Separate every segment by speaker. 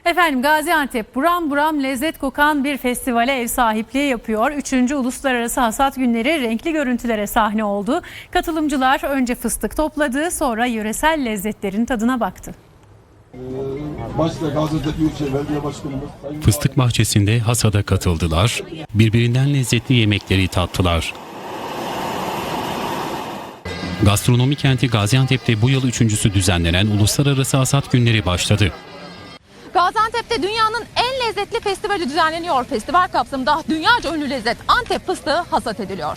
Speaker 1: Efendim Gaziantep buram buram lezzet kokan bir festivale ev sahipliği yapıyor. 3. Uluslararası Hasat Günleri renkli görüntülere sahne oldu. Katılımcılar önce fıstık topladı, sonra yöresel lezzetlerin tadına baktı.
Speaker 2: Başta Gaziantep Büyükşehir Belediye Başkanımız
Speaker 3: Fıstık bahçesinde hasada katıldılar, birbirinden lezzetli yemekleri tattılar. Gastronomi kenti Gaziantep'te bu yıl 3.'sü düzenlenen Uluslararası Hasat Günleri başladı.
Speaker 4: Gaziantep'te dünyanın en lezzetli festivali düzenleniyor. Festival kapsamında dünyaca ünlü lezzet Antep fıstığı hasat ediliyor.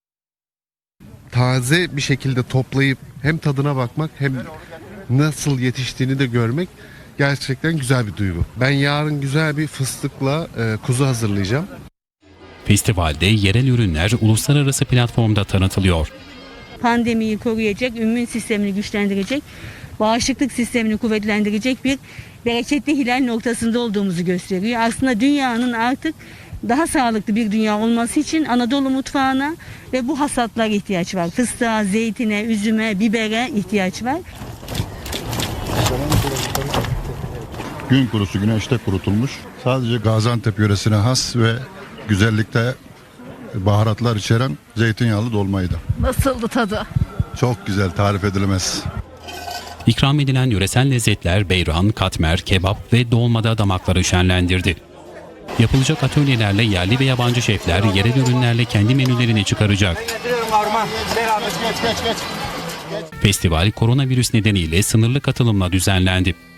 Speaker 5: Taze bir şekilde toplayıp hem tadına bakmak hem nasıl yetiştiğini de görmek gerçekten güzel bir duygu. Ben yarın güzel bir fıstıkla kuzu hazırlayacağım.
Speaker 3: Festivalde yerel ürünler uluslararası platformda tanıtılıyor.
Speaker 6: Pandemiyi koruyacak, immün sistemini güçlendirecek, bağışıklık sistemini kuvvetlendirecek bir bereketli hilal noktasında olduğumuzu gösteriyor. Aslında dünyanın artık daha sağlıklı bir dünya olması için Anadolu mutfağına ve bu hasatlara ihtiyaç var. Fıstığa, zeytine, üzüme, bibere ihtiyaç var.
Speaker 7: Gün kurusu güneşte kurutulmuş. Sadece Gaziantep yöresine has ve güzellikte baharatlar içeren zeytinyağlı dolmaydı.
Speaker 4: Nasıldı tadı?
Speaker 7: Çok güzel, tarif edilemez.
Speaker 3: İkram edilen yöresel lezzetler beyran, katmer, kebap ve dolmada damakları şenlendirdi. Yapılacak atölyelerle yerli ve yabancı şefler yerel ürünlerle kendi menülerini çıkaracak. Festival koronavirüs nedeniyle sınırlı katılımla düzenlendi.